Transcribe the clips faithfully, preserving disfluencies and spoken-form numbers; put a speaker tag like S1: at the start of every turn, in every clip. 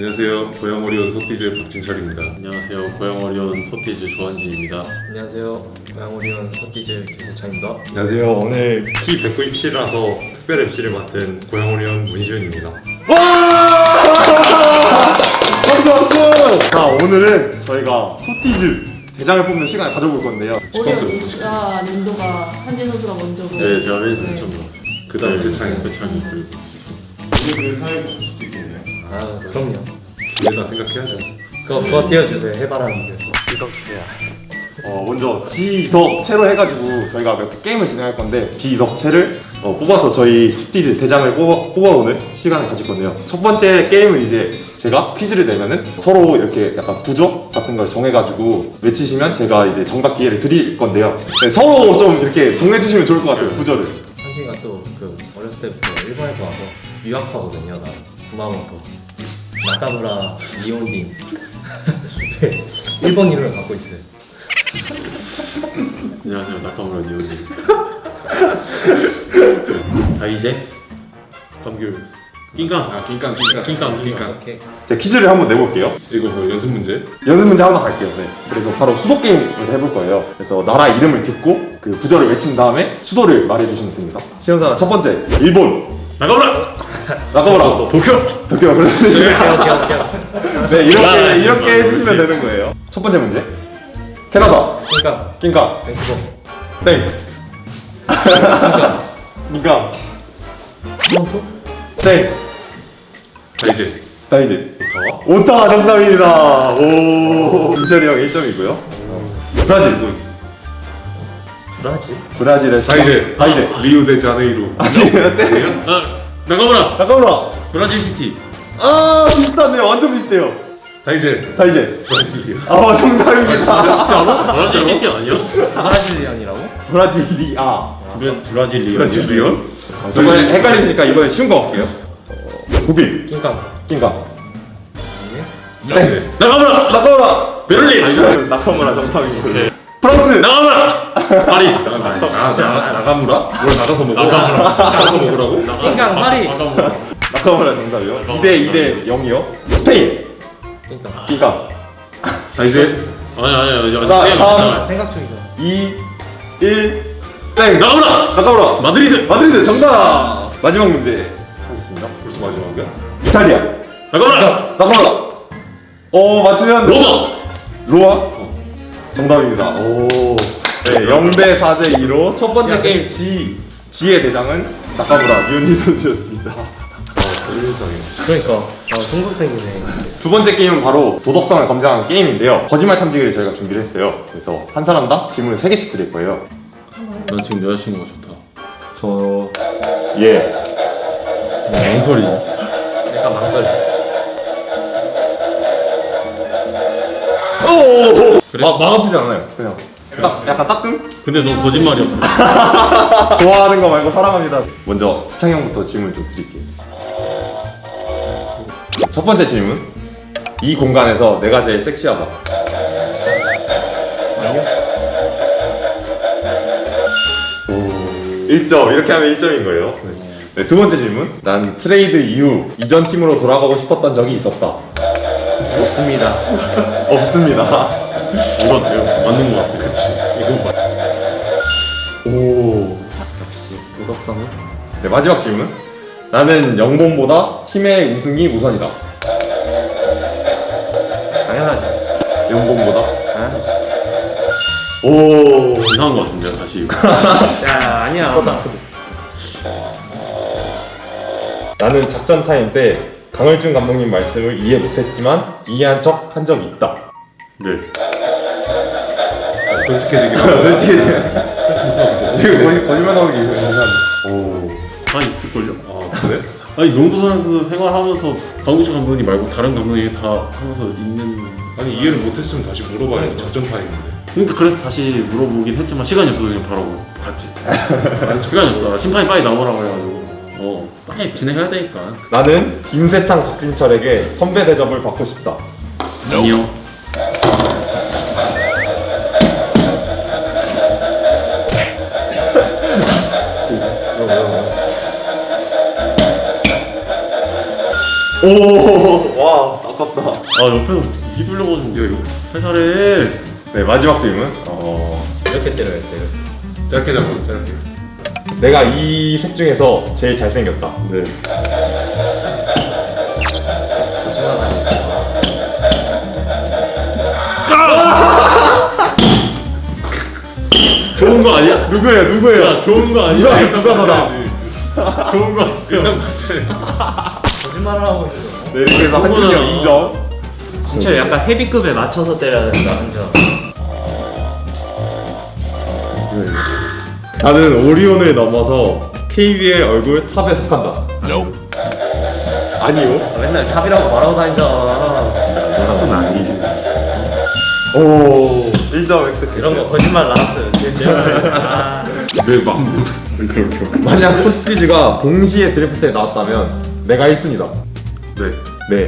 S1: 안녕하세요. 고양오리온 소티즈 박진철입니다.
S2: 안녕하세요. 고양오리온 소티즈 조한지입니다.
S3: 안녕하세요. 고양오리온 소티즈 김세창입니다.
S1: 안녕하세요. 오늘 키 백구십칠이라서 특별 엠씨를 맡은 고양오리온 문시윤입니다.
S4: 박수 박수! 자, 오늘은 저희가 소티즈 대장을 뽑는 시간을 가져볼 건데요.
S5: 오리온이가 랜도가 한진 선수가 먼저고.
S2: 네, 제가 맨
S5: 네.
S2: 처음 네.
S1: 그 다음에
S2: 세창이
S1: 세창이.
S2: 세창이 그리고
S1: 오늘 사회 볼 수도 있겠네요.
S3: 아 그럼요.
S1: 우리가 생각해야죠.
S3: 그거 그거 띄워주세요. 해바라기.
S4: 어, 먼저 지덕체로 해가지고 저희가 몇 개 게임을 진행할 건데 지덕체를 어, 뽑아서 저희 소티즈 대장을 뽑아, 뽑아오는 시간을 가질 건데요. 첫 번째 게임은 이제 제가 퀴즈를 내면은 서로 이렇게 약간 부적 같은 걸 정해가지고 외치시면 제가 이제 정답 기회를 드릴 건데요. 네, 서로 좀 이렇게 정해주시면 좋을 것 같아요, 부저를.
S3: 한진이가 또 그 어렸을 때부터 일본에서 와서 유학하거든요. 나 구마모토 나카무라 니온딘 일본 이름을 갖고 있어요.
S2: 안녕하세요. 나카무라 니오지. 다이제 감귤 낑깡
S1: 아, 낑깡, 낑깡,
S2: 낑깡,
S1: 낑깡.
S3: 오케이.
S4: 제가 퀴즈를 한번 내볼게요.
S1: 이거 뭐 연습 문제?
S4: 연습 문제 하나 갈게요. 네. 그래서 바로 수도 게임을 해볼 거예요. 그래서 나라 이름을 듣고 그 부저를 외친 다음에 수도를 말해주시면 됩니다. 시험사 첫 번째 일본
S2: 나카무라
S4: 나가보라
S2: 도쿄
S4: 도쿄
S3: 오케이
S4: 그렇지.
S3: 오케이 오케이.
S4: 네 이렇게
S2: 아,
S4: 이렇게
S2: 아,
S4: 해주시면
S2: 그렇지.
S4: 되는 거예요. 첫 번째 문제 캐나다
S3: 그러니까
S4: 낑까
S3: 밴쿠버
S4: 땡 낑까
S3: 토론토
S4: 땡
S1: 다이제.
S4: 다이제
S1: 오타와?
S4: 오타와 정답입니다. 오 김철이 형 일 점이고요. 브라질
S3: 브라질
S4: 브라질의
S1: 다이제.
S4: 다이제
S1: 리우데자네이루.
S4: 아니에요 땡
S2: 아 나카무라
S4: 나가보라
S2: 브라질 시티.
S4: 아 비슷하네요. 완전 비슷해요.
S1: 다이제.
S4: 다이제
S1: 브라질리아.
S4: 아 정답입니다.
S2: 진짜로? 브라질 시티 아니야?
S3: 브라질리안이라고?
S4: 브라질리아
S2: 브라- 브라질리아.
S1: 브라질리온?
S4: 이번에 헷갈리니까 이번에 쉬운 거 할게요. 어, 독일
S3: 낑깡
S4: 낑까
S1: 네.
S2: 나카무라
S4: 나가보라
S2: 베를린.
S4: 나카무라 정답입니다.
S2: 오케이.
S4: 프랑스
S2: 나카무라 파리.
S1: 아, 나, 나가무라? 뭘 나가서 먹어?
S2: 나가무라.
S1: 나가서 먹으라고?
S3: 낑깡 파리.
S2: 나카무라.
S4: 나카무라 정답이요. 이 대 이 대 영이요. 스페인
S3: 낑깡
S4: 낑까
S1: 다이제.
S2: 아니 아니 아니 아니.
S4: 나,
S2: 땡,
S4: 삼.
S2: 잠깐만.
S3: 생각 중이죠.
S4: 이 일 땡
S2: 나카무라
S4: 나카무라
S2: 마드리드.
S4: 마드리드 정답. 마지막 문제 하겠습니다.
S1: 벌써 마지막이야?
S4: 이탈리아
S2: 나카무라
S4: 나카무라 어 맞추면
S2: 로마.
S4: 로아 어, 정답입니다. 오. 네, 영 대 사 대 이로 첫 번째 게임 G G의 대장은 나카무라 니온지 선수였습니다.
S3: 그러니까 아 중국생이네.
S4: 두 번째 게임은 바로 도덕성을 검증하는 게임인데요. 거짓말 탐지기를 저희가 준비를 했어요. 그래서 한 사람당 질문을 세 개씩 드릴 거예요.
S2: 난 지금 여자친구가 좋다.
S4: 저 예.
S2: 뭔 소리?
S3: 약간 망설임.
S4: 오.
S2: 그래?
S4: 마, 마음 아프지 않아요. 그냥 딱 약간 따끔?
S2: 근데 넌 거짓말이었어.
S4: 좋아하는 거 말고 사랑합니다. 먼저 수창 형부터 질문 좀 드릴게요. 첫 번째 질문. 이 공간에서 내가 제일 섹시하다. 오. 일 점. 이렇게 하면 일 점인 거예요. 네, 두 번째 질문. 난 트레이드 이후 이전 팀으로 돌아가고 싶었던 적이 있었다.
S3: 없습니다.
S4: 없습니다.
S2: 이건 맞는 거 같아. 그치? 이건 맞.
S4: 오.
S3: 역시 도덕성은
S4: 네, 마지막 질문. 나는 영본보다 팀의 우승이 우선이다.
S3: 당연하지.
S4: 영본보다?
S3: 당연하지.
S4: 오.
S2: 이상한 거 같은데 다시 이거.
S3: 야 아니야.
S4: 나는 작전 타임 때 강을준 감독님 말씀을 이해 못했지만 이해한 척 한 적이 있다.
S2: 네.
S1: 아, 솔직해지긴 하다.
S4: 솔직히 이거 거의 거짓말 나오기 오.
S2: 다 있을걸요?
S1: 아, 그래?
S2: 아니 농구 선수 생활하면서 강구식 감독님 말고 다른 감독님 다 하면서 있는.
S1: 아니, 이해를 못했으면 다시 물어봐야지. 작전 타임인데.
S2: 그러니까 그래서 다시 물어보긴 했지만 시간이 없어서 그냥 바로 갔지. 시간이 없어. 심판이 빨리 나오라고 해가지고. 어 빨리 진행해야 되니까.
S4: 나는 김세창 박진철에게 선배 대접을 받고 싶다.
S2: 아니요.
S4: 오. 와. 아깝다.
S2: 아 옆에서 휘둘려가지고 살살해.
S4: 네, 마지막 질문. 어,
S3: 이렇게 때려야 돼요.
S4: 짧게 잡고 짧게. 내가 이 색 중에서 제일 잘생겼다.
S2: 네.
S3: 거짓말하니까.
S2: 좋은 거 아니야?
S4: 누구예요? 누구예요?
S2: 야 좋은 거 아니야?
S4: 누가 누가 너다?
S2: 좋은 거 그냥 맞춰야지.
S3: 거짓말을 하고 있어.
S4: 네, 이렇게 해서 한준이 형 이 점.
S3: 진짜 약간 헤비급에 맞춰서 때려야 된다 한 점.
S4: 나는 오리온을 넘어서 케이비엘 얼굴 탑에 속한다. 아니요.
S3: 아, 맨날 탑이라고 말하고 다니잖아.
S2: 탑은 아니지.
S4: 오, 일 점 획득.
S3: 이런 거 거짓말 나왔어요. 아,
S2: 내 마음대로 그렇게.
S4: 만약 소피즈가 동시에 드래프트에 나왔다면 내가 일 순위다.
S2: 네.
S4: 네.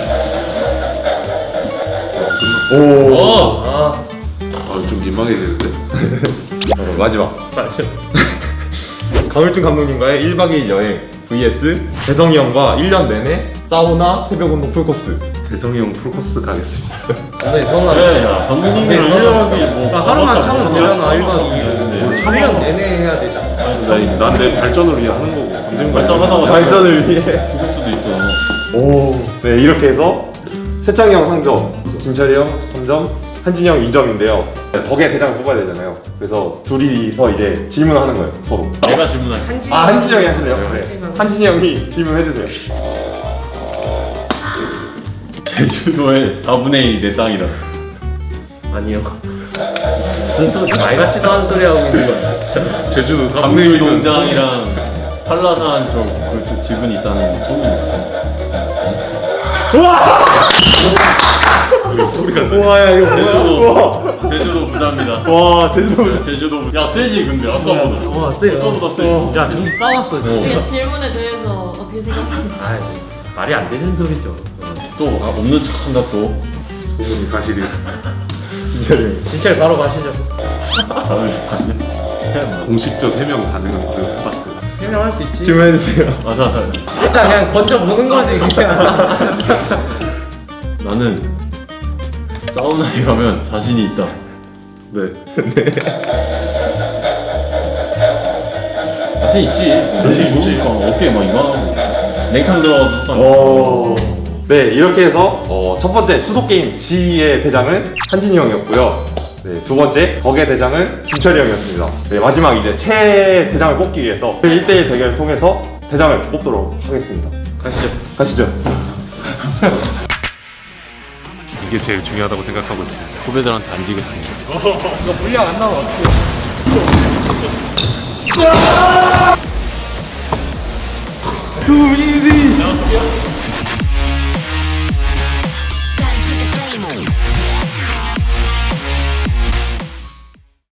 S2: 어.
S4: 오.
S3: 어, 아,
S2: 아좀 민망해지는데.
S4: 어, 마지막.
S3: 맞아.
S4: 강을준 감독님과의 일 박 이 일 여행 vs 대성이 형과 일 년 내내 사우나 새벽 운동 풀코스.
S2: 대성이 형 풀코스 가겠습니다.
S3: 근데 성아.
S2: 네, 야 감독님이랑 일 년하기 뭐
S3: 그러니까 하루만 참으면 되잖아. 일 박 이 일.
S2: 네.
S3: 일 년 내내 해야 되잖아.
S2: 아니 난내 발전을 위해 하는 거고 감독님 발전하다가
S4: 발전을 위해.
S2: 죽을 수도 있어.
S4: 오. 네, 이렇게 해서 세창이 형 삼 점, 진철이 형 삼 점, 한진이 형 이 점인데요. 덕에 대장을 뽑아야 되잖아요. 그래서 둘이서 이제 질문하는 거예요, 서로.
S2: 내가 질문할게.
S4: 아, 한진이 형이 하실래요?
S2: 네.
S4: 네. 한진이 형이 질문해주세요.
S2: 제주도의 사분의 일 내 땅이다.
S3: 아니요. 무슨 소리 말 같지도 않은 소리 하고 있는 거야 진짜.
S2: 제주도 사분의 일 농장이랑 한라산 쪽 그쪽 지분이 있다는 소문이 있어. 소리가 나.
S4: 우와, 야, 이거
S2: 제주도 제주도 부자입니다.
S4: 와, 제주도.
S2: 제주도 부자. 야 세지 근데 아까보다.
S3: 와, 세요.
S2: 아까보다 세.
S3: 야, 좀 싸웠어 진짜.
S5: 이 질문에 대해서 어떻게 생각하세요?
S3: 아, 말이 안 되는 소리죠.
S2: 또 아, 없는 척한다 또. 소문이 사실이.
S4: 진철이 형.
S3: 진짜 바로 가시죠.
S2: 공식적 해명 가능한 그 파트.
S3: 해명할 수 있지.
S4: 질문해주세요.
S2: 맞아 맞아.
S3: 일단 그냥 던져 보는 거지 그냥.
S2: 나는 사우나에 가면 자신이 있다. 네. 자신 있지. 자신 있지. 어깨 막 이만하고 냉탕 들어가도 항상.
S4: 오. 네, 이렇게 해서 어, 첫 번째 수도 게임 G의 대장은 한진이 형이었고요. 네, 두 번째 덕의 대장은 진철이 형이었습니다. 네, 마지막 이제 최 대장을 뽑기 위해서 일 대일 대결을 통해서 대장을 뽑도록 하겠습니다.
S3: 가시죠.
S4: 가시죠.
S2: 이게 제일 중요하다고 생각하고 있습니다. 후배들한테 안 지겠습니다.
S3: 이거 물량 안 나와 어떻게?
S4: Too easy.